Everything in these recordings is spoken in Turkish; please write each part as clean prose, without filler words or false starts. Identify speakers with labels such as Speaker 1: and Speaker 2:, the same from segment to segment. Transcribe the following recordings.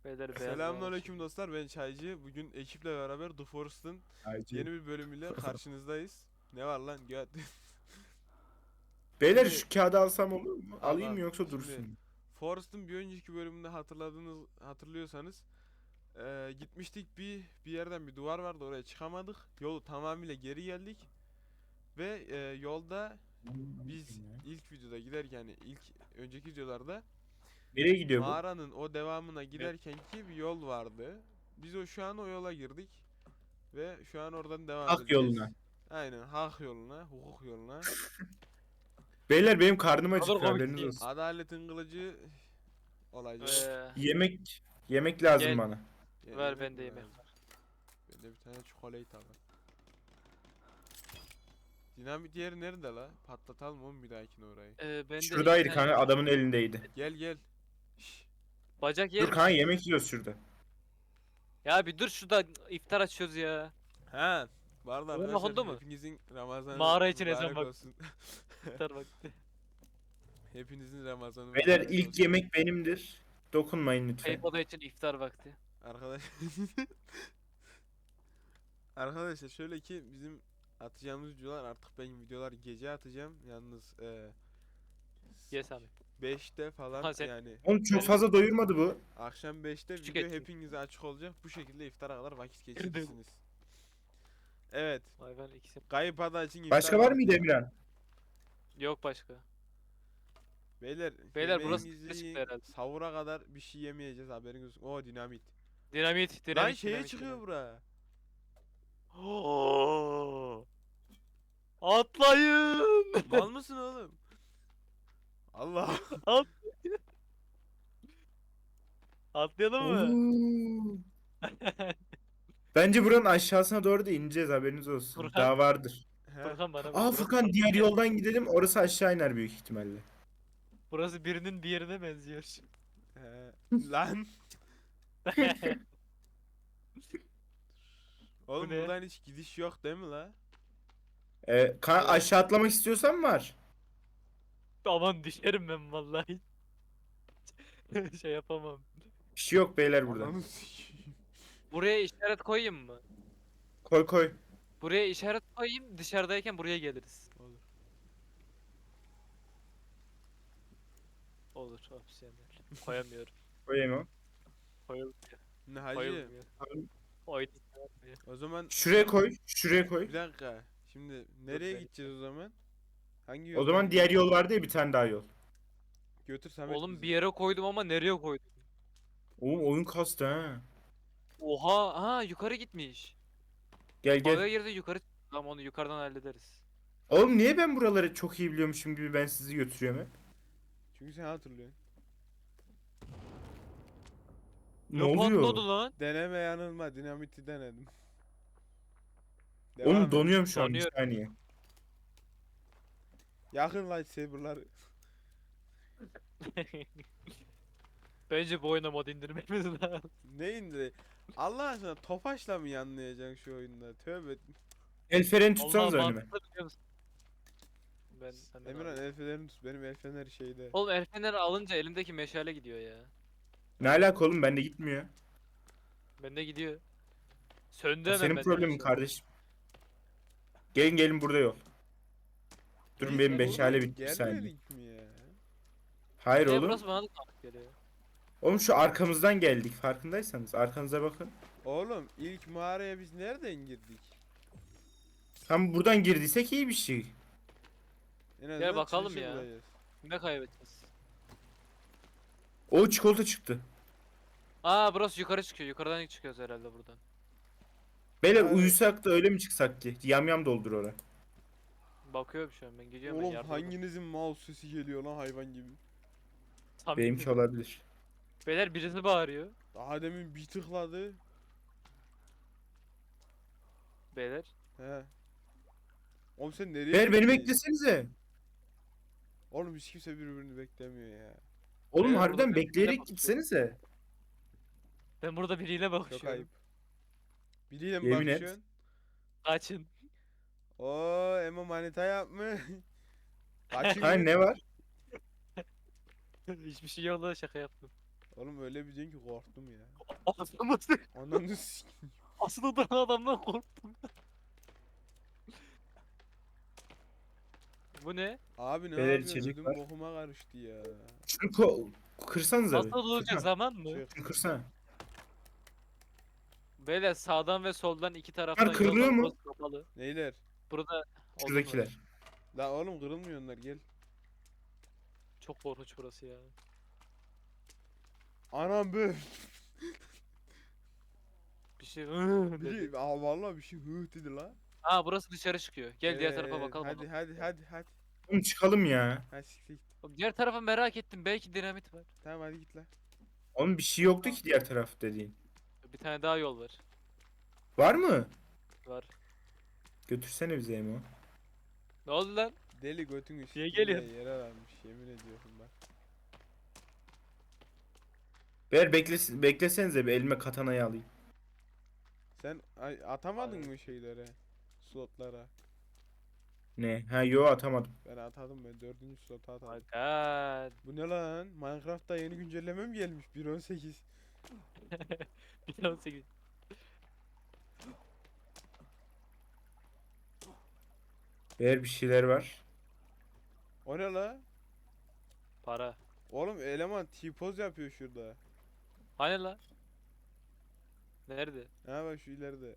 Speaker 1: Beyler beyaz var.
Speaker 2: Selamünaleyküm dostlar, ben Çaycı. Bugün ekiple beraber The Forest'ın yeni bir bölümüyle karşınızdayız. Ne var lan göt?
Speaker 3: Beyler
Speaker 2: Şimdi
Speaker 3: şu kağıdı alsam olur mu?
Speaker 2: al
Speaker 3: Alayım
Speaker 2: al.
Speaker 3: mı yoksa
Speaker 2: Şimdi
Speaker 3: dursun mu?
Speaker 2: Forest'ın bir önceki bölümünde hatırlıyorsanız gitmiştik bir yerden bir duvar vardı, oraya çıkamadık. Yolu tamamıyla geri geldik ve yolda biz ilk videoda giderken, yani ilk önceki videolarda
Speaker 3: Nereye gidiyor bu?
Speaker 2: mağaranın o devamına giderkenki bir yol vardı. Biz şu an o yola girdik ve şu an oradan devam
Speaker 3: Hak
Speaker 2: edeceğiz.
Speaker 3: yoluna.
Speaker 2: Aynen, hak yoluna, hukuk yoluna.
Speaker 3: Beyler benim karnım
Speaker 1: Kadar
Speaker 3: acıktı,
Speaker 1: komik
Speaker 3: haberiniz
Speaker 1: değil.
Speaker 3: olsun.
Speaker 2: Adaletin kılıcı olacak.
Speaker 3: Yemek lazım
Speaker 1: Gel.
Speaker 3: bana.
Speaker 2: Yani
Speaker 1: Ver
Speaker 2: yemek
Speaker 1: bende
Speaker 2: mi
Speaker 1: yemek
Speaker 2: lazım?
Speaker 1: var.
Speaker 2: Bende bir tane çikolata var. Dinamit yeri nerede la? Patlatalım oğlum bir dahakine orayı.
Speaker 1: Bende
Speaker 3: Şuradaydı
Speaker 1: iki tane
Speaker 3: kanka, adamın elindeydi.
Speaker 2: Gel gel. Şş,
Speaker 1: bacak
Speaker 3: Dur
Speaker 1: yer
Speaker 3: kanka,
Speaker 1: misin?
Speaker 3: yemek yiyoruz şurada.
Speaker 1: Ya bir dur şurada iftar açıyoruz ya.
Speaker 2: ha. Bu arada
Speaker 1: Oğlum,
Speaker 2: arkadaşlar
Speaker 1: okundu mu?
Speaker 2: hepinizin Ramazanı
Speaker 1: Mağara için
Speaker 2: mübarek
Speaker 1: ezan bak.
Speaker 2: olsun.
Speaker 1: İftar vakti.
Speaker 2: Hepinizin Ramazanı
Speaker 3: Beyler
Speaker 2: mübarek
Speaker 3: ilk
Speaker 2: olsun.
Speaker 3: yemek benimdir. Dokunmayın lütfen.
Speaker 1: Kayıp oda için iftar vakti.
Speaker 2: Arkadaş Arkadaşlar şöyle ki bizim atacağımız videolar, artık ben videolar gece atacağım. Yalnız
Speaker 1: Yes abi.
Speaker 2: 5'te falan,
Speaker 1: Ha, sen-
Speaker 2: yani
Speaker 3: Oğlum çok fazla doyurmadı bu.
Speaker 2: akşam 5'te
Speaker 1: Küçük
Speaker 2: video
Speaker 1: etkin.
Speaker 2: hepinize açık olacak. Bu şekilde iftara kadar vakit geçirirsiniz. Evet.
Speaker 1: Hayvan ikisi.
Speaker 2: Kayıp ada için iftar
Speaker 3: Başka var
Speaker 2: vakti.
Speaker 3: mıydı Emirhan?
Speaker 1: Yok başka.
Speaker 2: Beyler,
Speaker 1: Beyler, burası
Speaker 2: yemeğinizi
Speaker 1: çıktı
Speaker 2: yiyin.
Speaker 1: herhalde.
Speaker 2: Sahura kadar bir şey yemeyeceğiz, haberiniz olsun. Oo, dinamit.
Speaker 1: Dinamit,
Speaker 2: Lan
Speaker 1: dinamit,
Speaker 2: şeye
Speaker 1: dinamit,
Speaker 2: çıkıyor
Speaker 1: dinamit.
Speaker 2: bura.
Speaker 1: Oo! Atlayın!
Speaker 2: Mal mısın oğlum? Allah.
Speaker 1: At. Atlayalım mı?
Speaker 3: Oo. Bence buranın aşağısına doğru da ineceğiz, haberiniz olsun.
Speaker 1: Furkan.
Speaker 3: Daha vardır.
Speaker 2: He.
Speaker 1: Furkan bana bak.
Speaker 3: Aa Furkan, diğer yoldan gidelim, orası aşağı iner büyük ihtimalle.
Speaker 1: Burası birinin bir yerine benziyor.
Speaker 2: He. Lan. Oğlum
Speaker 1: ne?
Speaker 2: buradan hiç gidiş yok değil mi la?
Speaker 3: Aşağı atlamak istiyorsan var.
Speaker 1: Aman düşerim ben vallahi. Şey yapamam.
Speaker 3: Bir şey yok beyler burada.
Speaker 2: Ananı sikeyim.
Speaker 1: Buraya işaret koyayım mı?
Speaker 3: Koy koy.
Speaker 1: Buraya işaret koyayım, dışarıdayken buraya geliriz.
Speaker 2: Olur.
Speaker 1: Olur, opsiyonel. Koyamıyorum.
Speaker 3: Koyayım o.
Speaker 1: Koyulmuyor.
Speaker 2: Ne hacı?
Speaker 1: Koyulmuyor. Oydu.
Speaker 2: O zaman
Speaker 3: Şuraya koy. Şuraya koy.
Speaker 2: bir dakika. Şimdi nereye
Speaker 1: ben-
Speaker 2: gideceğiz o zaman? Hangi
Speaker 3: O
Speaker 2: yoldan
Speaker 3: zaman diğer
Speaker 2: gideceğiz?
Speaker 3: yol vardı ya, bir tane daha yol.
Speaker 2: Götür Samet
Speaker 1: Oğlum
Speaker 2: bizi.
Speaker 1: bir yere koydum ama nereye koydum?
Speaker 3: Oğlum oyun kastı ha.
Speaker 1: Oha, ha yukarı gitmiş.
Speaker 3: Gel
Speaker 1: Baga
Speaker 3: gel.
Speaker 1: girdi yukarı. Tamam, onu yukarıdan hallederiz.
Speaker 3: Oğlum niye ben buraları çok iyi biliyormuşum gibi ben sizi götürüyorum hep?
Speaker 2: Çünkü sen hatırlıyorsun.
Speaker 3: Ne oluyor?
Speaker 1: patladı lan?
Speaker 2: Deneme yanılma, dinamiti denedim.
Speaker 3: Oğlum
Speaker 2: et.
Speaker 3: donuyorum şu an, bir
Speaker 1: Donuyor.
Speaker 3: saniye.
Speaker 2: Yakın lightsaber'lar.
Speaker 1: Bence bu oyuna mod indirmemiz lazım.
Speaker 2: Ne indi? Allah aşkına Tofaş'la mı yanlayacaksın şu oyunda? Tövbe.
Speaker 3: El freni
Speaker 1: Allah
Speaker 3: tutsanız önüme.
Speaker 1: mantıklı, biliyor musun? Ben hemen
Speaker 2: Emirhan,
Speaker 1: alayım.
Speaker 2: el fenerini tut. Benim el feneri şeyde.
Speaker 1: Oğlum el feneri alınca elimdeki meşale gidiyor ya.
Speaker 3: Ne alaka oğlum, bende gitmiyor.
Speaker 1: Bende gidiyor. Söndü
Speaker 3: O
Speaker 1: hemen
Speaker 3: senin
Speaker 1: bende
Speaker 3: problemin
Speaker 1: meşale.
Speaker 3: kardeşim. Gelin gelin, burada yol. Durun,
Speaker 2: Biz
Speaker 3: benim
Speaker 2: buradan
Speaker 3: meşale bitti, bir saniye.
Speaker 2: gelmedik mi ya?
Speaker 3: Hayır
Speaker 1: Ya
Speaker 3: oğlum.
Speaker 1: burası bana da tanıdık geliyor.
Speaker 3: Oğlum şu arkamızdan geldik, farkındaysanız. Arkanıza bakın.
Speaker 2: Oğlum ilk mağaraya biz nereden girdik?
Speaker 3: Tam buradan girdiysek iyi bir şey.
Speaker 2: En azından
Speaker 1: bakalım
Speaker 2: çıkışı
Speaker 1: ya.
Speaker 2: bulacağız.
Speaker 1: Ne kaybedeceğiz?
Speaker 3: O çikolata çıktı.
Speaker 1: Aa, burası yukarı çıkıyor. Yukarıdan çıkıyoruz herhalde buradan.
Speaker 3: Beyler
Speaker 2: Abi-
Speaker 3: uyusak da öyle mi çıksak ki? Yam doldur oraya.
Speaker 1: Bakıyorum şu an, ben gidiyorum, ben
Speaker 2: Oğlum
Speaker 1: yardım
Speaker 2: hanginizin mouse sesi geliyor lan hayvan gibi.
Speaker 3: Benimki olabilir.
Speaker 1: Beyler birisi bağırıyor.
Speaker 2: Daha demin bir tıkladı.
Speaker 1: Beyler.
Speaker 2: He. Oğlum sen nereye
Speaker 3: Beyler beni
Speaker 2: gittin?
Speaker 3: beklesenize.
Speaker 2: Oğlum hiç kimse birbirini beklemiyor ya.
Speaker 3: Oğlum
Speaker 1: Beyler,
Speaker 3: harbiden
Speaker 1: burada biriyle
Speaker 3: bekleyerek
Speaker 1: bakıyor.
Speaker 3: gitsenize.
Speaker 1: Ben burada biriyle
Speaker 2: Çok
Speaker 1: bakışıyorum.
Speaker 2: ayıp. Biriyle mi
Speaker 3: Yemin et.
Speaker 2: bakışıyorsun?
Speaker 1: Kaçın.
Speaker 2: Oo, Emo manita yapmış. Kaçın
Speaker 3: Ha
Speaker 2: mı?
Speaker 3: ne var?
Speaker 1: Hiçbir şey yok da şaka yaptım.
Speaker 2: Oğlum öyle bir diyorsun ki korktum ya.
Speaker 1: Aslında
Speaker 2: Ananı s**eyim.
Speaker 1: aslında duran adamdan korktum. Bu ne?
Speaker 2: Abi ne
Speaker 3: Beyler
Speaker 2: yapıyorsun?
Speaker 3: içecek
Speaker 2: Ödüm
Speaker 3: var.
Speaker 2: bokuma karıştı ya.
Speaker 3: Şunu kırsanıza
Speaker 1: Asıl
Speaker 3: bir.
Speaker 1: duracak
Speaker 3: Furkan,
Speaker 1: zaman mı?
Speaker 2: Çık.
Speaker 3: şunu kırsana.
Speaker 1: Beyler sağdan ve soldan iki
Speaker 3: Bunlar
Speaker 1: taraftan yol
Speaker 3: kırılıyor
Speaker 1: var.
Speaker 3: mu?
Speaker 1: Burası kapalı.
Speaker 2: Neyler?
Speaker 1: Burada odun var.
Speaker 3: Şuradakiler.
Speaker 2: La oğlum kırılmıyor onlar gel.
Speaker 1: Çok korkunç burası ya.
Speaker 2: Anam be.
Speaker 1: Bir şey dedi.
Speaker 2: Biri aa vallahi bir şey hı dedi la.
Speaker 1: Aa burası dışarı çıkıyor. Gel diğer tarafa bakalım.
Speaker 2: Hadi
Speaker 1: ona.
Speaker 2: hadi.
Speaker 3: Oğlum çıkalım ya.
Speaker 2: Hadi siktir git.
Speaker 1: Oğlum diğer tarafa merak ettim. Belki dinamit var.
Speaker 2: Tamam hadi git la.
Speaker 3: Oğlum bir şey yoktu ki diğer taraf dediğin.
Speaker 1: Bir tane daha yol var.
Speaker 3: Var mı?
Speaker 1: Var.
Speaker 3: Götürsene bize Emo.
Speaker 1: Ne oldu lan?
Speaker 2: Deli götünü
Speaker 1: Niye
Speaker 2: siktir
Speaker 1: geliyorsun?
Speaker 2: diye yere vermiş yemin ediyorum bak.
Speaker 3: Beyler beklesenize bir elime katanayı alayım.
Speaker 2: Sen atamadın mı şeylere? Slotlara.
Speaker 3: Ne? Ha yo atamadım.
Speaker 2: Ben atadım ben 4. slota
Speaker 1: Oh
Speaker 2: atadım.
Speaker 1: my god.
Speaker 2: Bu ne lan? Minecraft'ta yeni güncelleme mi gelmiş? 1.18.
Speaker 1: 1.18.
Speaker 3: Beyler bir şeyler var.
Speaker 2: O ne la?
Speaker 1: Para.
Speaker 2: Oğlum eleman T-poz yapıyor şurada.
Speaker 1: Hani la? Nerede?
Speaker 2: Ha bak şu ileride.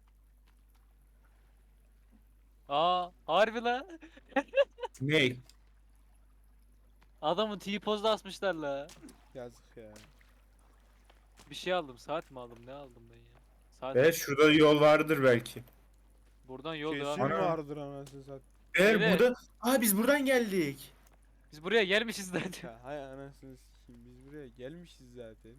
Speaker 1: Aa harbi la.
Speaker 3: Ne?
Speaker 1: Adamın T-pozda asmışlar la.
Speaker 2: Yazık ya.
Speaker 1: Bir şey aldım. Saat mi aldım? Ne aldım ben ya? Saat.
Speaker 3: Beyler şurada yol vardır belki.
Speaker 1: Buradan yol
Speaker 2: Kesin
Speaker 1: devam.
Speaker 3: Ana.
Speaker 2: vardır anasını sat.
Speaker 3: Beyler
Speaker 1: Beyler.
Speaker 3: burada... Aa biz buradan geldik.
Speaker 1: Biz buraya gelmişiz zaten.
Speaker 2: Ya hay anasını sikeyim biz buraya gelmişiz zaten.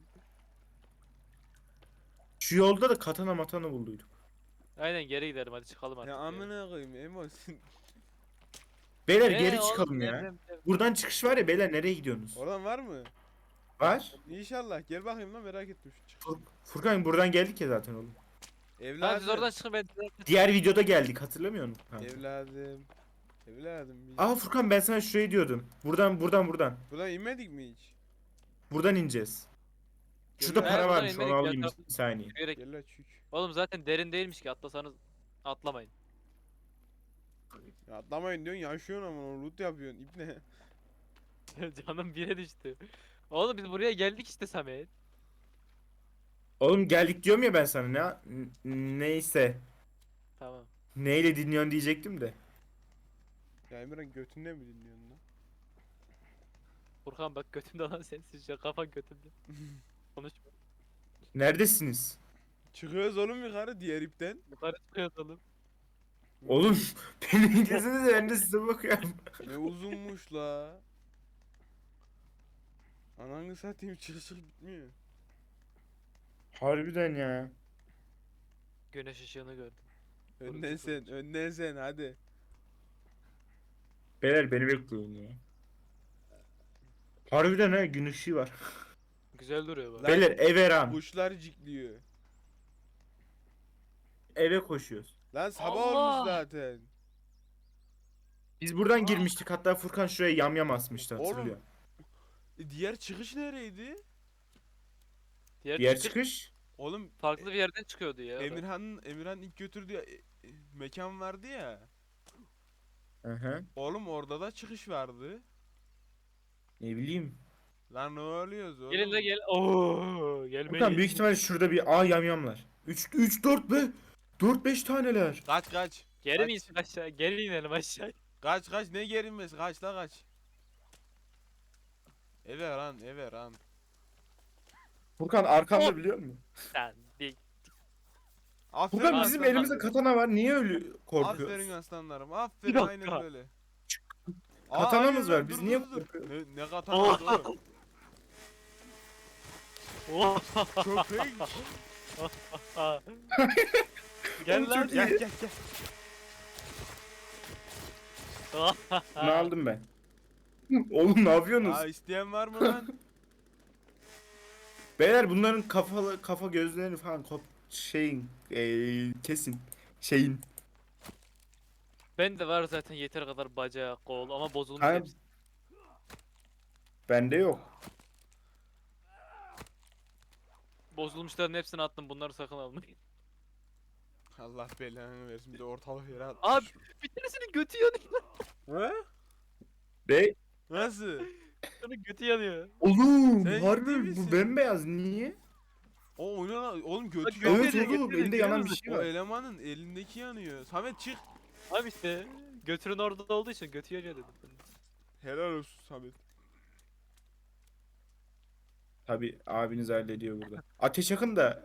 Speaker 3: Şu yolda da katana matana bulduyduk.
Speaker 1: Aynen geri gidelim hadi çıkalım artık.
Speaker 2: Ya amına koyayım Emo sen
Speaker 3: Beyler
Speaker 1: Ee,
Speaker 3: geri
Speaker 1: oğlum,
Speaker 3: çıkalım ya.
Speaker 1: devrem.
Speaker 3: Buradan çıkış var ya beyler nereye gidiyorsunuz?
Speaker 2: oradan var mı?
Speaker 3: Var.
Speaker 2: İnşallah gel bakayım lan merak ettim şu çık.
Speaker 3: Furkan buradan geldik ya zaten oğlum.
Speaker 1: Tamam siz
Speaker 2: Evladım.
Speaker 1: oradan çıkın ben.
Speaker 3: Diğer videoda geldik hatırlamıyor musun? Ha.
Speaker 2: Evladım. Evladım biz.
Speaker 3: Aa Furkan ben sana şurayı diyordum. Buradan.
Speaker 2: Buradan inmedik mi hiç?
Speaker 3: Buradan ineceğiz. Şurada
Speaker 2: Ben
Speaker 3: para
Speaker 1: buradan
Speaker 3: varmış onu
Speaker 1: inmedik ya,
Speaker 3: alayım
Speaker 1: tamam.
Speaker 3: bir saniye.
Speaker 1: Yürüyerek.
Speaker 2: Gel la çük.
Speaker 1: Oğlum zaten derin değilmiş ki atlasanız atlamayın.
Speaker 2: Ya atlamayın diyorsun yaşıyorsun ama loot yapıyorsun ipne.
Speaker 1: Canım bire düştü. Oğlum biz buraya geldik işte Samet.
Speaker 3: Oğlum geldik diyorum ya ben sana neyse.
Speaker 1: Tamam.
Speaker 3: Neyle dinliyorsun diyecektim de.
Speaker 2: Ya Emirhan götünde mi dinliyorsun lan?
Speaker 1: Furkan bak götümde lan sensin şu an, kafan götümde. Konuşma.
Speaker 3: Neredesiniz?
Speaker 2: Çıkıyoruz oğlum yukarı diğer ipten.
Speaker 1: Yukarı çıkıyoruz oğlum.
Speaker 3: Oğlum beni izlesenize ben de size bakıyorum.
Speaker 2: Ne uzunmuş la. Ananı satayım çık bitmiyor.
Speaker 3: Harbiden ya.
Speaker 1: Güneş ışığını gördüm.
Speaker 2: Önden sen hadi.
Speaker 3: Beyler beni bekliyorsun ya. Harbiden ha gün ışığı var.
Speaker 1: Güzel duruyor bak.
Speaker 2: Lan-
Speaker 3: Beyler eve ran.
Speaker 2: Kuşlar cikliyor.
Speaker 3: Eve koşuyoruz.
Speaker 2: Lan sabah
Speaker 1: Allah!
Speaker 2: olmuş zaten.
Speaker 3: Biz buradan girmiştik hatta Furkan şuraya yamyam asmıştı
Speaker 2: Oğlum,
Speaker 3: hatırlıyor.
Speaker 2: Diğer çıkış nereydi?
Speaker 3: Diğer çıkış.
Speaker 2: Oğlum
Speaker 1: farklı bir yerden çıkıyordu ya.
Speaker 2: Emirhan ilk götürdüğü mekan vardı ya.
Speaker 3: Hı hı.
Speaker 2: Oğlum orada da çıkış vardı.
Speaker 3: Ne bileyim.
Speaker 2: Lan ne oluyoruz oğlum?
Speaker 1: Gelin de gel. Oo, gelmeyin.
Speaker 3: Furkan büyük ihtimalle şurada bir yamyamlar. 3 4 be. 4 5 taneler.
Speaker 2: Kaç.
Speaker 1: Geri
Speaker 2: Kaç.
Speaker 1: mi insin aşağı? Geri inelim aşağı.
Speaker 2: Kaç ne gerinmesi kaç la kaç. Eve ran.
Speaker 3: Furkan arkamda
Speaker 1: Hop.
Speaker 3: biliyor musun?
Speaker 1: Sen dik.
Speaker 2: Aferin
Speaker 3: Furkan bizim
Speaker 1: aslanlar.
Speaker 3: elimizde katana var. Niye öyle
Speaker 2: Aferin
Speaker 3: korkuyoruz?
Speaker 2: aslanlarım. Aferin
Speaker 1: Bir dakika.
Speaker 2: aynen böyle.
Speaker 3: Katanamız
Speaker 2: aynen
Speaker 3: var, biz
Speaker 2: dur,
Speaker 3: niye
Speaker 2: dur, dur.
Speaker 3: korkuyoruz?
Speaker 2: Ne katanası oğlum?
Speaker 1: Oh.
Speaker 2: Köpek.
Speaker 1: Gel
Speaker 3: Oğlum
Speaker 1: lan.
Speaker 3: çok iyi.
Speaker 2: Gel.
Speaker 3: Ne aldım ben? Oğlum ne yapıyorsunuz?
Speaker 2: Aa isteyen var mı lan?
Speaker 3: Beyler bunların kafa gözlerini falan kesin. Şeyin.
Speaker 1: Ben de var zaten yeter kadar bacağı, kol ama bozulmuş
Speaker 3: Ha,
Speaker 1: hepsi.
Speaker 3: bende yok.
Speaker 1: Bozulmuşların hepsini attım. Bunları sakın almayın.
Speaker 2: Allah belanı versin bir de ortalık yere at.
Speaker 1: Abi bir tanesinin götü yanıyor.
Speaker 2: He?
Speaker 3: Be
Speaker 2: Nasıl?
Speaker 1: Onun götü yanıyor.
Speaker 3: oğlum
Speaker 2: Sen ciddi
Speaker 3: harbi
Speaker 2: misin?
Speaker 3: bu bembeyaz niye?
Speaker 2: O oynan oğlum götü
Speaker 1: Bak,
Speaker 2: yanıyor.
Speaker 3: Evet
Speaker 1: yanıyor,
Speaker 3: oğlum
Speaker 1: götürüyor,
Speaker 3: elinde yanan bir
Speaker 1: görüyor
Speaker 3: şey
Speaker 2: O
Speaker 3: var.
Speaker 2: elemanın elindeki yanıyor. Samet çık.
Speaker 1: Abi işte götünün orada olduğu için götü yanıyor dedim.
Speaker 2: Helal olsun Samet.
Speaker 3: Tabi abiniz hallediyor burada. Ateş yakın da.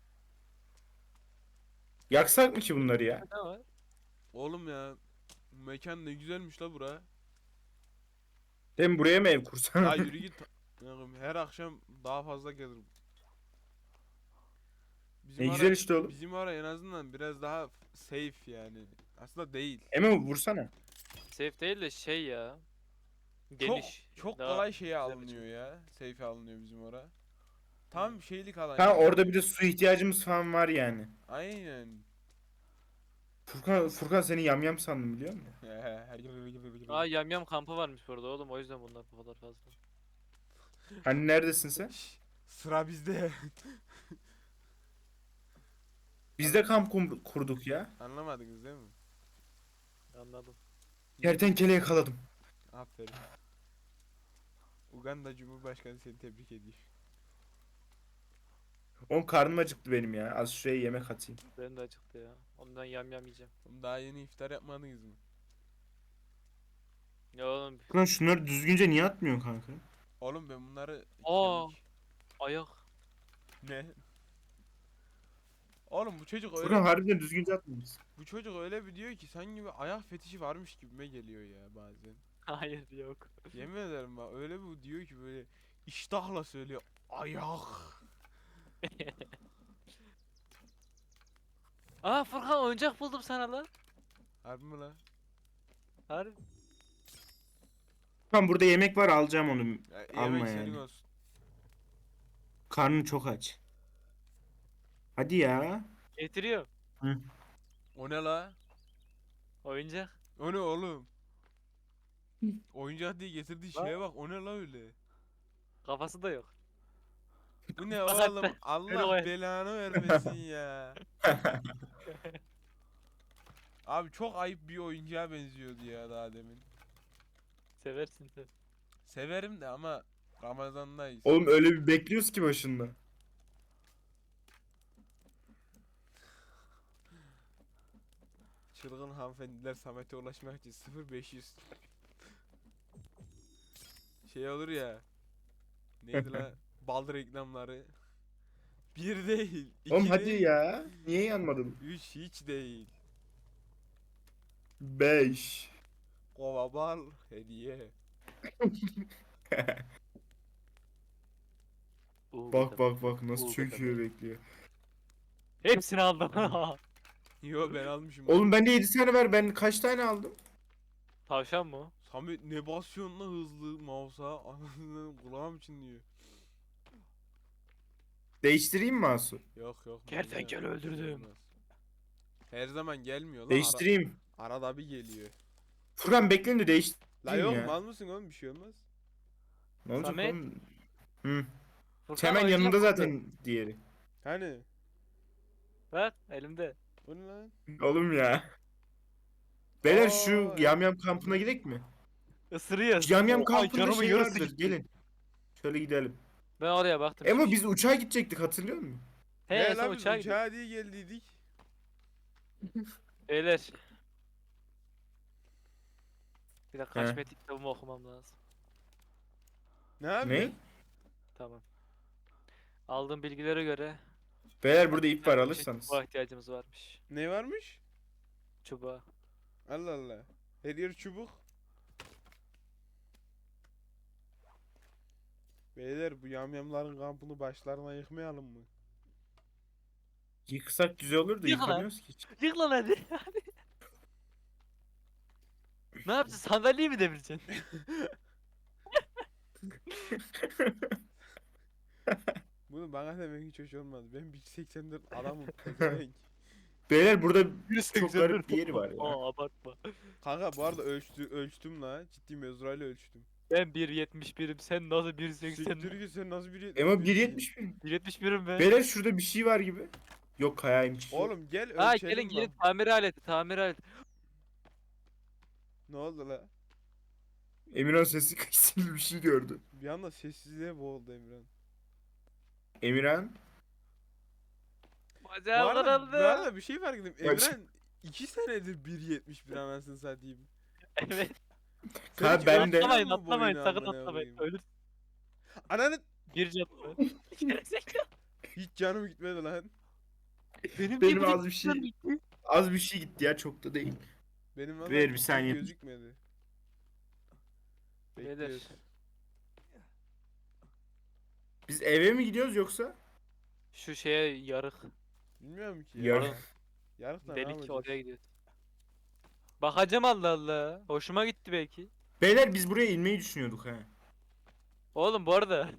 Speaker 3: Yaksak mı ki bunları ya?
Speaker 1: Ne var?
Speaker 2: Oğlum ya. Mekan ne güzelmiş la bura.
Speaker 3: Hem buraya mı ev kursan?
Speaker 2: Ya yürü git. Her akşam daha fazla gelirim. Bizim
Speaker 3: Ne güzel işte oğlum.
Speaker 2: Bizim ara en azından biraz daha safe yani. Aslında değil.
Speaker 3: Emo vursana.
Speaker 1: Safe değil de şey ya. Geniş.
Speaker 2: Çok
Speaker 1: Daha
Speaker 2: kolay şeye
Speaker 1: güzel
Speaker 2: alınıyor ya. Safe alınıyor bizim ora. Tam şeylik alan.
Speaker 3: Ha
Speaker 2: yani.
Speaker 3: orada bir de su ihtiyacımız falan var yani.
Speaker 2: Aynen.
Speaker 3: Furkan seni yamyam sandım biliyor musun?
Speaker 1: Aa yamyam kampı varmış burada oğlum, o yüzden bunlar bu kadar fazla.
Speaker 3: Hani neredesin sen?
Speaker 2: Şş, sıra bizde.
Speaker 3: Biz de kamp kurduk ya.
Speaker 2: Anlamadınız değil mi?
Speaker 1: Anladım.
Speaker 3: Kertenkele yakaladım.
Speaker 2: Aferin. Uganda Cumhurbaşkanı seni tebrik ediyor.
Speaker 3: Oğlum karnım acıktı benim ya. Az şuraya yemek atayım.
Speaker 1: Benim de acıktı ya. Ondan yamyam yiyeceğim.
Speaker 2: Oğlum daha yeni iftar yapmadınız mı?
Speaker 1: Ya oğlum
Speaker 3: Furkan şunları düzgünce niye atmıyorsun kanka?
Speaker 2: Oğlum ben bunları
Speaker 1: Aa.
Speaker 2: kemik-
Speaker 1: ayak.
Speaker 2: Ne? Oğlum bu çocuk
Speaker 3: Furkan
Speaker 2: öyle
Speaker 3: harbiden düzgünce atmıyorsun.
Speaker 2: bu çocuk öyle bir diyor ki sanki bir ayak fetişi varmış gibime geliyor ya bazen.
Speaker 1: Hayır yok.
Speaker 2: Yemin ederim bak öyle bir diyor ki böyle iştahla söylüyor ayak.
Speaker 1: Aa Furkan, oyuncak buldum sana lan.
Speaker 2: Harbi mi la?
Speaker 1: Harbi.
Speaker 3: Furkan burada yemek var alacağım onu.
Speaker 2: Ya,
Speaker 3: Alma
Speaker 2: yemek senin
Speaker 3: yani.
Speaker 2: olsun.
Speaker 3: Karnım çok aç. Hadi ya.
Speaker 1: Getiriyor.
Speaker 2: O ne la?
Speaker 1: Oyuncak.
Speaker 2: O ne oğlum? Oyuncak diye getirdiği şeye bak o ne la öyle?
Speaker 1: Kafası da yok.
Speaker 2: Bu ne
Speaker 1: Bak
Speaker 2: oğlum?
Speaker 1: hatta,
Speaker 2: Allah
Speaker 1: koy.
Speaker 2: belanı vermesin ya. Abi çok ayıp bir oyuncağa benziyordu ya daha demin.
Speaker 1: Seversin sen.
Speaker 2: Severim de ama Ramazan'dayız.
Speaker 3: Oğlum öyle bir bekliyoruz ki başında.
Speaker 2: Çılgın hanımefendiler Samet'e ulaşmak için 0500. Şey olur ya. Neydi la? Bal reklamları. Bir değil.
Speaker 3: Oğlum
Speaker 2: İki
Speaker 3: hadi
Speaker 2: değil.
Speaker 3: ya. Niye yanmadın?
Speaker 2: Üç hiç değil.
Speaker 3: 5.
Speaker 2: Kova bal hediye.
Speaker 3: Bak bak bak nasıl
Speaker 1: Uğur
Speaker 3: çöküyor
Speaker 1: kadar.
Speaker 3: bekliyor.
Speaker 1: Hepsini aldım.
Speaker 2: Yo ben almışım.
Speaker 3: Oğlum bende 7 tane var. Ben kaç tane aldım?
Speaker 1: Tavşan mı? o?
Speaker 2: Samet ne basıyorsun la hızlı mouse'a? Anasını kulağım çınlıyor.
Speaker 3: Değiştireyim mi Asu?
Speaker 2: Yok yok.
Speaker 1: Kertenkele
Speaker 2: manyak,
Speaker 1: öldürdüm.
Speaker 2: olmaz. Her zaman gelmiyor la.
Speaker 3: Değiştireyim.
Speaker 2: Arada bir geliyor.
Speaker 3: Furkan bekleyin de
Speaker 2: La
Speaker 3: değiştireyim
Speaker 2: yok
Speaker 3: ya.
Speaker 2: mal mısın oğlum bir şey olmaz.
Speaker 3: Ne olacak
Speaker 1: Samet.
Speaker 3: oğlum? Hı.
Speaker 1: Furkan
Speaker 3: Hemen
Speaker 1: oyuncak
Speaker 3: yanında
Speaker 1: buldu.
Speaker 3: zaten diğeri.
Speaker 2: Hani?
Speaker 1: Bak elimde.
Speaker 2: Bu ne lan?
Speaker 3: Oğlum ya. Beyler şu
Speaker 2: Aa,
Speaker 3: yamyam kampına gidelim mi?
Speaker 1: Isırıyor.
Speaker 3: Şu yamyam
Speaker 1: Oha,
Speaker 3: kampında
Speaker 1: canımın
Speaker 3: şey
Speaker 1: yarısı
Speaker 3: vardır.
Speaker 1: gitti.
Speaker 3: Gelin. Şöyle gidelim.
Speaker 1: Ben oraya baktım.
Speaker 3: Emo
Speaker 1: şimdi.
Speaker 3: biz uçağa gidecektik hatırlıyor musun?
Speaker 1: He
Speaker 2: Ne
Speaker 1: sen
Speaker 2: lan biz
Speaker 1: uçağa gidiyor.
Speaker 2: uçağa diye geldiydik.
Speaker 1: Beyler. Bir dakika
Speaker 3: He.
Speaker 1: Haşmet kitabımı okumam lazım.
Speaker 2: Ne abi?
Speaker 3: Ne?
Speaker 1: Tamam. Aldığım bilgilere göre
Speaker 3: Beyler burada ip var
Speaker 1: bir
Speaker 3: alırsanız.
Speaker 1: çubuğa ihtiyacımız varmış.
Speaker 2: Ne varmış?
Speaker 1: Çubuğa.
Speaker 2: Allah Allah. Her yer çubuk. Beyler bu yamyamların kampını başlarına yıkmayalım mı?
Speaker 3: Yıksak güzel olur da
Speaker 1: Yık lan.
Speaker 3: yıkamıyoruz ki hiç.
Speaker 1: Yık lan hadi. Ne yapacaksın? Sandalyeyi mi devireceksin?
Speaker 2: Bunu bana demek hiç hoş olmaz. Ben 1.84 adamım. pezevenk.
Speaker 3: Beyler burada
Speaker 1: Yürüsün
Speaker 3: çok garip bir yeri var ya.
Speaker 1: Aa abartma.
Speaker 2: Kanka bu arada ölçtüm la. Ciddi mezurayla ölçtüm.
Speaker 1: Ben 1.71'im. Sen nasıl 1.80?
Speaker 2: Siktir git, sen nasıl bir
Speaker 3: Emo 1.71.
Speaker 1: 1.71'im ben.
Speaker 3: Beyler şurada bir şey var gibi. Yok kayaymış.
Speaker 2: Oğlum gel
Speaker 1: Ha
Speaker 2: ölçelim
Speaker 1: gelin
Speaker 2: bak.
Speaker 1: tamir aleti tamir aleti.
Speaker 2: Ne oldu la?
Speaker 3: Emirhan sesi kısıldı bir şey gördü.
Speaker 2: Bir anda sessizliğe boğuldu Emran.
Speaker 3: Emirhan.
Speaker 2: Bu
Speaker 1: Bacağım
Speaker 2: arada, bu
Speaker 1: kırıldı.
Speaker 2: arada bir şey fark ettim.
Speaker 3: Kaç?
Speaker 2: Emran 2 senedir 1.71 anasını satayım.
Speaker 1: Evet.
Speaker 2: Sen
Speaker 3: Ha,
Speaker 2: hiç
Speaker 3: ben de-
Speaker 2: ölçüyor
Speaker 1: Atlamayın
Speaker 2: musun
Speaker 1: atlamayın
Speaker 2: boyunu
Speaker 1: sakın
Speaker 2: amına
Speaker 1: atlamayın.
Speaker 2: koyayım?
Speaker 1: Ölür.
Speaker 2: Ananı
Speaker 1: Bir canlı.
Speaker 2: hiç canım gitmedi lan.
Speaker 3: Benim az bir şey az bir şey gitti ya, çok da değil.
Speaker 2: Benim valla
Speaker 3: Ver bir
Speaker 2: hiç
Speaker 3: saniye.
Speaker 2: gözükmedi.
Speaker 1: Beyler.
Speaker 2: Bekliyoruz.
Speaker 3: Biz eve mi gidiyoruz yoksa?
Speaker 1: Şu şeye yarık.
Speaker 2: Bilmiyorum ki ya.
Speaker 3: Yarın.
Speaker 2: Yarıkla ne
Speaker 1: Delik
Speaker 2: yapacağız?
Speaker 1: oraya gidiyoruz. Bakacağım Allah Allah. Hoşuma gitti belki.
Speaker 3: Beyler biz buraya inmeyi düşünüyorduk ha.
Speaker 1: Oğlum bu arada.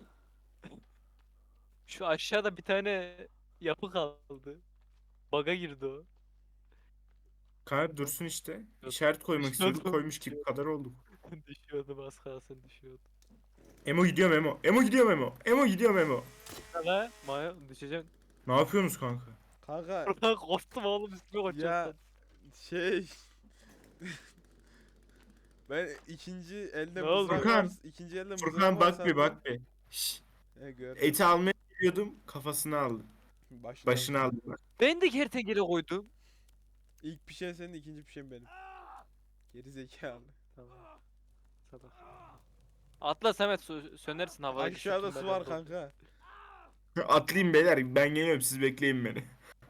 Speaker 1: Şu aşağıda bir tane yapı kaldı. Baga girdi o.
Speaker 3: Kanka dursun işte. İşaret koymak istiyorduk, koymuş gibi kadar olduk.
Speaker 1: Düşüyordum az kalsın düşüyordum.
Speaker 3: Emo gidiyorum Emo. Emo gidiyorum Emo. Emo gidiyorum Emo.
Speaker 1: Sana Maya düşeceğim.
Speaker 3: Ne yapıyorsunuz kanka?
Speaker 2: Kanka
Speaker 1: Buradan korktum oğlum üstüme
Speaker 2: ya
Speaker 1: koşacaktım.
Speaker 2: şey ben ikinci elde
Speaker 1: Ne oldu?
Speaker 2: mızrak
Speaker 3: Furkan.
Speaker 2: var. İkinci elde mızrak
Speaker 3: Furkan
Speaker 2: var
Speaker 3: bak bir bak bir. Şşş.
Speaker 2: He gör.
Speaker 3: Eti almaya geliyordum, kafasını aldım. Başını aldım. Bak.
Speaker 1: Ben de kertenkele koydum.
Speaker 2: İlk pişen senin, ikinci pişen benim. Geri zekalı.
Speaker 1: Tamam. Salak. Atla Samet sönersin havaya.
Speaker 2: Aşağıda su var kanka.
Speaker 3: Atlayayım beyler, ben geliyorum, siz bekleyin beni.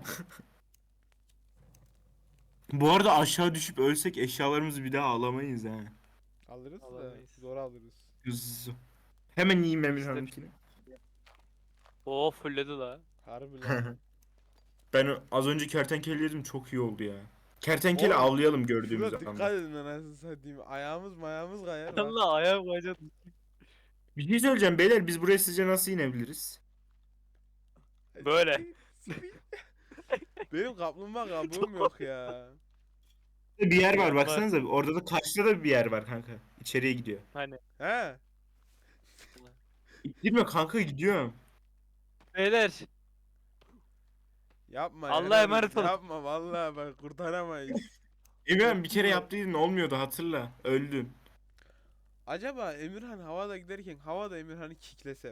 Speaker 3: Bu arada aşağı düşüp ölsek eşyalarımızı bir daha alamayız ha.
Speaker 2: Alırız da
Speaker 1: Alamayız.
Speaker 2: zor alırız.
Speaker 3: Hemen yiyeyim
Speaker 1: İşte-
Speaker 3: Emirhan'ınkini.
Speaker 1: Oo fulledi la.
Speaker 2: Harbi lan.
Speaker 3: Ben az önce kertenkele yedim, çok iyi oldu ya. Kertenkele
Speaker 2: Oğlum,
Speaker 3: avlayalım gördüğümüz
Speaker 2: Şurada dikkat
Speaker 3: anda.
Speaker 2: edin anasını satayım. Ayağımız kayar bak.
Speaker 1: Allah ayağı koyacaksın.
Speaker 3: Bir şey söyleyeceğim beyler, biz buraya sizce nasıl inebiliriz?
Speaker 1: Böyle.
Speaker 2: Benim kaplumbağa kabuğum yok ya.
Speaker 3: Bir yer var,
Speaker 1: Var.
Speaker 3: baksanıza, orada da karşıda da bir yer var kanka. İçeriye gidiyor.
Speaker 1: Hani.
Speaker 2: He.
Speaker 3: Gitme kanka, gidiyorum.
Speaker 1: Beyler.
Speaker 2: Yapma
Speaker 1: Allah'a
Speaker 2: ya.
Speaker 1: emanet olun.
Speaker 2: Yapma vallahi bak kurtaramayız.
Speaker 3: Emirhan bir kere yaptıydın, olmuyordu, hatırla. Öldün.
Speaker 2: Acaba Emirhan havada giderken havada Emirhan'ı kiklesem.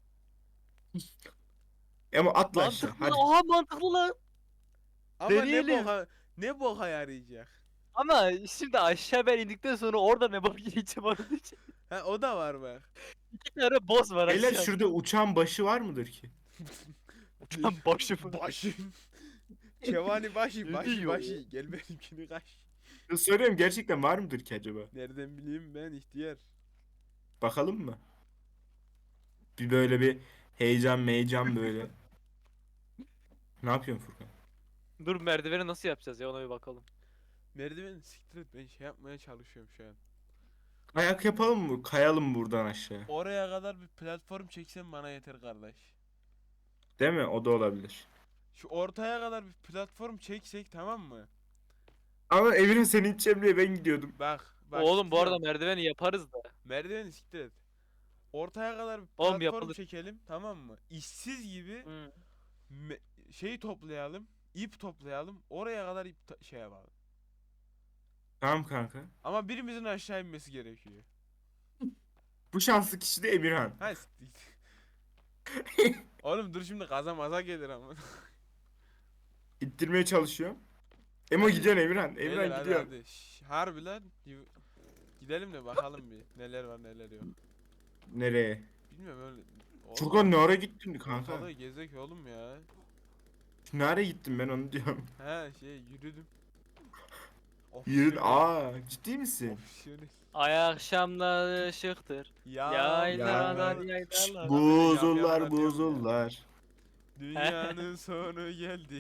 Speaker 3: Ama atla aşağı,
Speaker 1: Mantıklı.
Speaker 3: hadi.
Speaker 1: Oha mantıklı lan.
Speaker 2: Ama
Speaker 1: Deneyelim.
Speaker 2: ne boka yarayacak?
Speaker 1: Ama şimdi aşağı ben indikten sonra orada ne bak yiyeceğim onun için.
Speaker 2: Ha o da var bak.
Speaker 1: İki tane boss var
Speaker 3: Beyler
Speaker 1: aşağıda.
Speaker 3: şurada uçan başı var mıdır ki?
Speaker 1: Lan başımı.
Speaker 2: Başım. Kevani başı
Speaker 1: Yürüyor.
Speaker 2: başı. Gel benimkini kaç.
Speaker 3: Soruyorum, gerçekten var mıdır ki acaba?
Speaker 2: Nereden bileyim ben ihtiyar.
Speaker 3: Bakalım mı? Bir böyle bir heyecan böyle. Ne yapıyorsun Furkan?
Speaker 1: Dur merdiveni nasıl yapacağız ya ona bir bakalım.
Speaker 2: Merdiveni siktir et, ben şey yapmaya çalışıyorum şu an.
Speaker 3: Ayak yapalım mı? Kayalım buradan aşağı.
Speaker 2: Oraya kadar bir platform çeksen bana yeter kardeş.
Speaker 3: Değil mi? O da olabilir.
Speaker 2: Şu ortaya kadar bir platform çeksek tamam mı?
Speaker 3: Ama Emirhan seni içeceğim diye ben gidiyordum.
Speaker 2: Bak
Speaker 1: Oğlum bu arada
Speaker 2: siktir et.
Speaker 1: merdiveni yaparız da.
Speaker 2: Merdiveni siktir et. Ortaya kadar bir
Speaker 1: Oğlum,
Speaker 2: platform
Speaker 1: yapılır.
Speaker 2: çekelim tamam mı? İşsiz gibi
Speaker 1: Hı.
Speaker 2: şey toplayalım, ip toplayalım. Oraya kadar şey yapalım.
Speaker 3: Tamam kanka.
Speaker 2: Ama birimizin aşağı inmesi gerekiyor.
Speaker 3: Bu şanslı kişi de Emirhan.
Speaker 2: Ha siktir. Oğlum dur şimdi kaza maza gelir ama.
Speaker 3: İttirmeye çalışıyorum. Emo gidiyorsun Emirhan.
Speaker 2: Beyler,
Speaker 3: Emirhan
Speaker 2: hadi,
Speaker 3: gidiyor.
Speaker 2: hadi. Harbi lan. Gidelim de bakalım bir neler var neler yok.
Speaker 3: Nereye?
Speaker 2: Bilmiyorum öyle.
Speaker 3: Furkan ne ara gittin kanka?
Speaker 2: Ortalığı gezek oğlum ya.
Speaker 3: Ne ara gittim ben onu diyorum.
Speaker 2: He şey yürüdüm.
Speaker 3: Yürün.
Speaker 2: Opsiyonel.
Speaker 3: Ciddi misin?
Speaker 2: Opsiyonel.
Speaker 1: Ay akşamlar ışıktır.
Speaker 2: Ya.
Speaker 1: Yaylalar
Speaker 3: ya.
Speaker 1: yaylalar.
Speaker 3: Buzullar buzullar.
Speaker 2: Dünyanın sonu geldi.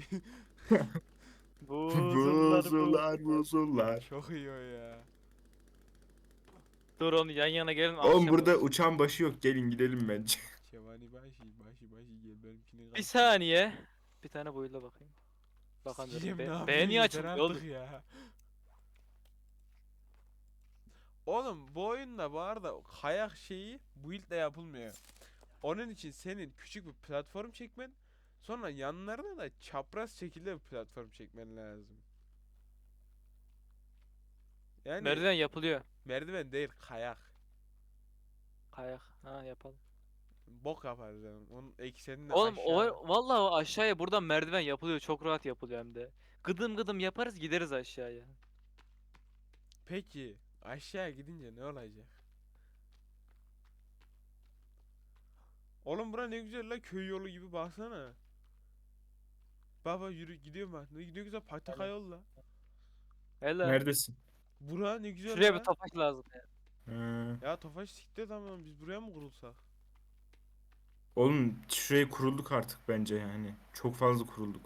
Speaker 1: Buzullar
Speaker 3: Buzullar buzullar.
Speaker 2: Çok iyi o ya.
Speaker 1: Dur onu yan yana gelin.
Speaker 3: Oğlum
Speaker 1: akşam
Speaker 3: burada
Speaker 1: olsun.
Speaker 3: uçan başı yok. Gelin gidelim bence.
Speaker 2: Şevani başı gel benimkini
Speaker 1: Bir saniye. Bir tane boyuyla bakayım. Bakalım.
Speaker 2: Sikeceğim, ne
Speaker 1: Be
Speaker 2: yapayım,
Speaker 1: beğeni
Speaker 2: yeter
Speaker 1: açılmıyor
Speaker 2: artık
Speaker 1: oğlum.
Speaker 2: ya. Oğlum bu oyunda bu arada kayak şeyi build ile yapılmıyor. Onun için senin küçük bir platform çekmen, sonra yanlarına da çapraz şekilde bir platform çekmen lazım. Yani
Speaker 1: Merdiven yapılıyor.
Speaker 2: merdiven değil, kayak.
Speaker 1: Kayak. Ha yapalım.
Speaker 2: Bok yaparız yani. Onun eksenini
Speaker 1: Oğlum
Speaker 2: aşağı.
Speaker 1: vallahi o aşağıya buradan merdiven yapılıyor. Çok rahat yapılıyor hem de. Gıdım gıdım yaparız gideriz aşağıya.
Speaker 2: Peki aşağı gidince ne olacak? Oğlum bura ne güzel la, köy yolu gibi, baksana. Baba yürü gidiyorum bak. Ne güzel pataka
Speaker 1: Hele.
Speaker 2: yol la.
Speaker 1: Hele.
Speaker 3: Neredesin?
Speaker 2: Bura ne güzel
Speaker 1: Şuraya bir
Speaker 2: la.
Speaker 1: topaç lazım ya.
Speaker 3: Ha.
Speaker 2: Ya Tofaş siktir, tamam biz buraya mı kurulsak?
Speaker 3: Oğlum şuraya kurulduk artık bence yani. Çok fazla kurulduk.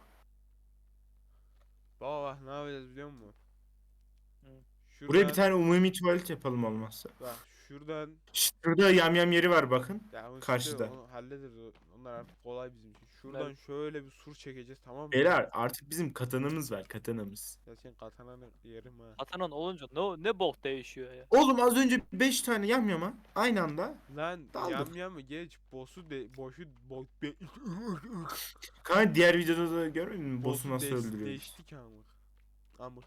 Speaker 2: Baba bak ne yapacağız biliyor musun?
Speaker 1: Hı.
Speaker 3: Buraya bir
Speaker 2: Şuradan
Speaker 3: tane umumi tuvalet yapalım olmazsa.
Speaker 2: bak, şuradan
Speaker 3: Şurada yamyam yeri var bakın.
Speaker 2: ya onu
Speaker 3: Karşıda.
Speaker 2: onu hallederiz. Onlar artık kolay bizim için. Şuradan
Speaker 1: Evet.
Speaker 2: şöyle bir sur çekeceğiz, tamam mı?
Speaker 3: Beyler artık bizim katanamız var, katanamız.
Speaker 2: Ya sen katananı yerim ha.
Speaker 1: Atanan olunca ne bok değişiyor ya.
Speaker 3: Oğlum az önce 5 tane yamyama aynı anda
Speaker 2: Lan
Speaker 3: daldık.
Speaker 2: yam geç, boşu
Speaker 3: Kanka diğer videoda da görmedin mi? Boss'u
Speaker 2: boss'u
Speaker 3: nasıl öldürüyoruz?
Speaker 2: değiştik amık. Amık.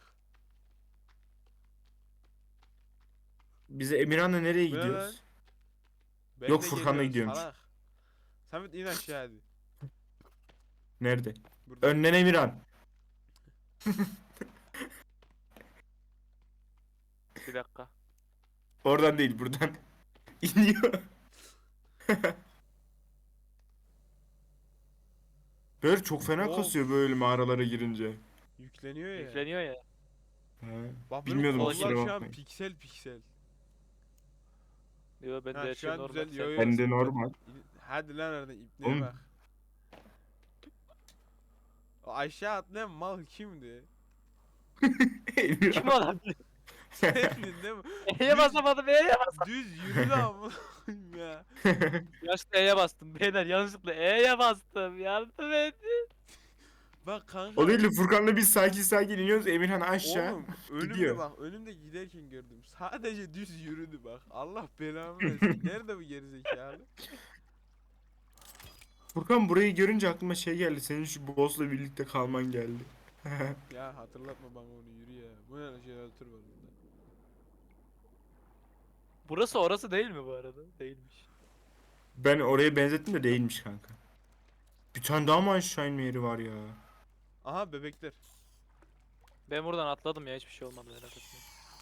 Speaker 3: Bize Emirhan'la nereye
Speaker 2: Bu ne
Speaker 3: gidiyoruz?
Speaker 2: Ben
Speaker 3: Yok,
Speaker 2: de
Speaker 3: Furkan'la
Speaker 2: geliyorum,
Speaker 3: gidiyormuş.
Speaker 2: salak. Samet in aşağı hadi.
Speaker 3: Nerede?
Speaker 2: Burada.
Speaker 3: Önden Emirhan.
Speaker 1: Bir dakika.
Speaker 3: Oradan değil, buradan. İniyor. Böyle çok fena
Speaker 2: Of.
Speaker 3: kasıyor böyle mağaralara girince.
Speaker 2: Yükleniyor ya.
Speaker 1: Yükleniyor ya.
Speaker 3: He.
Speaker 2: Bak benim
Speaker 3: Bilmiyordum,
Speaker 2: kollar
Speaker 3: kusura
Speaker 2: şu an
Speaker 3: bakmayın.
Speaker 2: piksel piksel.
Speaker 1: Yo ben de
Speaker 2: Ha,
Speaker 1: her
Speaker 2: şu
Speaker 1: şey
Speaker 2: an
Speaker 1: normal.
Speaker 2: güzel,
Speaker 1: Sen-
Speaker 2: yo, yo.
Speaker 3: Ben de normal.
Speaker 2: Hadi lan oradan, ipneye
Speaker 3: Oğlum.
Speaker 2: bak. O aşağı atlayan mal kimdi?
Speaker 1: Kim
Speaker 3: Emirhan.
Speaker 1: olabilir?
Speaker 2: Sendin değil mi?
Speaker 1: E'ye basamadım E'ye bas.
Speaker 2: Düz yürü ama ya.
Speaker 1: Yanlışlıkla E'ye bastım. Beyler yanlışlıkla E'ye bastım. Yardım et.
Speaker 2: Bak kanka.
Speaker 3: O değil de Furkan'la biz sakin sakin iniyoruz. Emirhan aşağı
Speaker 2: Oğlum önümde
Speaker 3: gidiyor.
Speaker 2: bak, önümde giderken gördüm. Sadece düz yürüdü bak. Allah belamı versin. Nerede bu gerizekalı?
Speaker 3: Furkan burayı görünce aklıma şey geldi. Senin şu boss'la birlikte kalman geldi.
Speaker 2: Ya hatırlatma bana onu, yürü ya. Bu ne jeneratör var burada.
Speaker 1: Burası orası değil mi bu arada? Değilmiş.
Speaker 3: Ben oraya benzettim de değilmiş kanka. Bir tane daha mı aşağı inme yeri var ya?
Speaker 2: Aha bebekler.
Speaker 1: Ben buradan atladım ya hiçbir şey olmadı merak etme.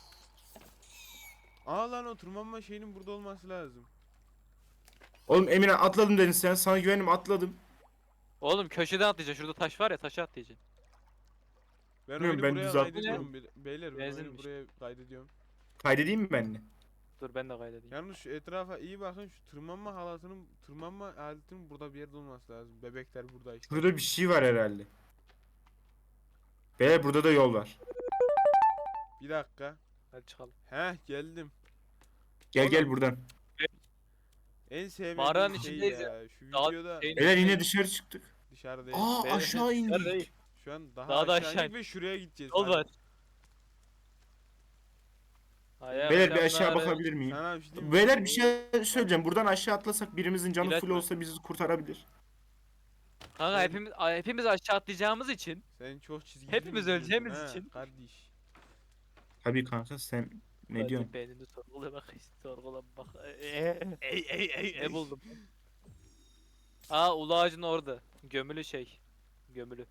Speaker 2: Aa lan, o tırmanma şeyinin burada olması lazım.
Speaker 3: Oğlum Emirhan atladım dedin sen. Sana güvendim, atladım.
Speaker 1: Oğlum köşeden atlayacaksın. Şurada taş var ya taşa atlayacaksın.
Speaker 2: Ben
Speaker 3: Bilmiyorum,
Speaker 2: oyunu
Speaker 3: ben
Speaker 2: buraya
Speaker 3: düz
Speaker 2: kaydediyorum beyler, ben oyunu
Speaker 1: Benzinmiş.
Speaker 2: buraya kaydediyorum.
Speaker 3: Kaydedeyim mi ben de?
Speaker 1: Dur ben de kaydedeyim.
Speaker 2: Yalnız şu etrafa iyi bakın, şu tırmanma aletinin burada bir yerde olması lazım. Bebekler burada işte.
Speaker 3: Burada bir şey var herhalde. Beyler burada da yol var.
Speaker 2: Bir dakika.
Speaker 1: Hadi çıkalım.
Speaker 2: Heh, geldim.
Speaker 3: Gel
Speaker 2: Oğlum.
Speaker 3: gel buradan.
Speaker 2: En sevmediğim
Speaker 1: Mağaranın
Speaker 2: şey
Speaker 1: içindeyiz
Speaker 2: ya. Şu
Speaker 1: Daha
Speaker 2: videoda
Speaker 1: şeyin
Speaker 3: Beyler yine
Speaker 1: içindeyiz.
Speaker 3: dışarı çıktık.
Speaker 2: dışarı değil.
Speaker 3: Aa
Speaker 1: Beyler,
Speaker 3: aşağı
Speaker 1: dışarı
Speaker 3: indik.
Speaker 1: değil.
Speaker 2: Şu an daha
Speaker 1: Daha da
Speaker 2: aşağı
Speaker 1: aşağı
Speaker 2: indik ve şuraya gideceğiz.
Speaker 1: Yol
Speaker 2: Hadi.
Speaker 1: var. Ay,
Speaker 3: Beyler bir aşağı
Speaker 1: akşamları-
Speaker 3: bakabilir miyim?
Speaker 2: Sana bir şey diyeyim mi?
Speaker 3: Beyler bir şey söyleyeceğim. Buradan aşağı atlasak birimizin canı
Speaker 1: İlaç
Speaker 3: full
Speaker 1: var.
Speaker 3: olsa bizi kurtarabilir.
Speaker 1: Kanka
Speaker 2: Ben-
Speaker 1: hepimiz aşağı atlayacağımız için.
Speaker 2: Sen çok çizgi
Speaker 1: Hepimiz
Speaker 2: film
Speaker 1: öleceğimiz
Speaker 2: izliyorsun ha,
Speaker 1: için.
Speaker 2: Kardeş.
Speaker 3: Tabii kanka, sen ne
Speaker 1: Hadi
Speaker 3: diyorsun?
Speaker 1: beynini sorgula bak işte sorgula bak.
Speaker 2: Ey.
Speaker 1: Ne buldum? Aa ulu ağacın orada. Gömülü şey. Gömülü.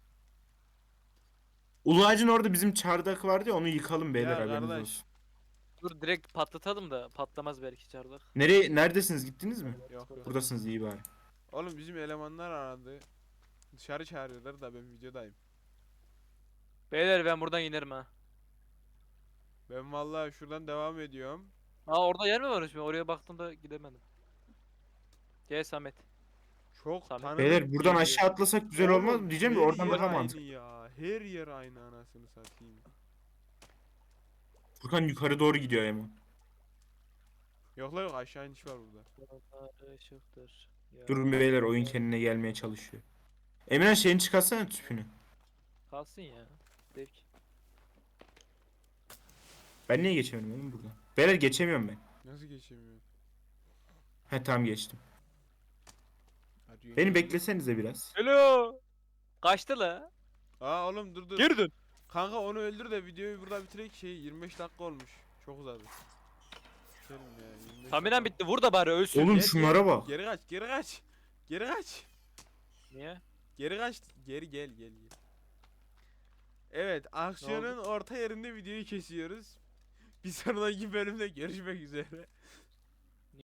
Speaker 3: Ulu ağacın orada bizim çardak vardı ya, onu yıkalım beyler,
Speaker 2: Ya
Speaker 3: haberiniz
Speaker 2: kardeş.
Speaker 3: olsun.
Speaker 1: Dur direkt patlatalım da patlamaz belki çardak.
Speaker 3: Neredesiniz, gittiniz mi?
Speaker 2: Yok.
Speaker 3: Buradasınız, iyi bari.
Speaker 2: Oğlum bizim elemanlar aradı. Dışarı çağırıyorlar da ben videodayım.
Speaker 1: Beyler ben buradan inerim ha.
Speaker 2: Ben vallahi şuradan devam ediyorum.
Speaker 1: Aa orada yer mi varmış? Ben oraya baktığımda gidemedim. Gel Samet.
Speaker 2: Çok
Speaker 1: Samet.
Speaker 2: tanıdık
Speaker 3: Beyler buradan
Speaker 2: geliyor.
Speaker 3: aşağı atlasak güzel olmaz
Speaker 2: Oğlum,
Speaker 3: mı? Diyeceğim de
Speaker 2: her
Speaker 3: oradan
Speaker 2: yer
Speaker 3: daha
Speaker 2: aynı
Speaker 3: mantıklı.
Speaker 2: ya. Her yer aynı, anasını satayım.
Speaker 3: Furkan yukarı doğru gidiyor ama.
Speaker 2: Yok la, yok, aşağı iniş var burada.
Speaker 1: Işıktır.
Speaker 3: Durun beyler, oyun kendine gelmeye çalışıyor. Emirhan şeyini çıkarsana, tüpünü.
Speaker 1: Kalsın ya. Zevk.
Speaker 3: Ben niye geçemedim oğlum buradan? Beyler geçemiyorum ben.
Speaker 2: Nasıl geçemiyorum?
Speaker 3: He tamam geçtim.
Speaker 2: Arıyorsun
Speaker 3: Beni
Speaker 2: ya.
Speaker 3: beklesenize biraz.
Speaker 1: Hello. Kaçtı la.
Speaker 2: Aa oğlum dur dur.
Speaker 1: Geri dön.
Speaker 2: Kanka onu öldür de videoyu burada bitirek, şey 25 dakika olmuş. Çok uzadı. Bitirelim ya 25
Speaker 1: Tamiren
Speaker 2: dakika.
Speaker 1: bitti. Vur da bari ölsün.
Speaker 3: Oğlum
Speaker 2: Gel,
Speaker 3: şunlara
Speaker 2: gel.
Speaker 3: bak.
Speaker 2: Geri kaç, geri kaç. Geri kaç.
Speaker 1: Niye?
Speaker 2: Geri kaç. Geri gel gel gel. Evet, aksiyonun orta yerinde videoyu kesiyoruz. Bir sonraki bölümde görüşmek üzere.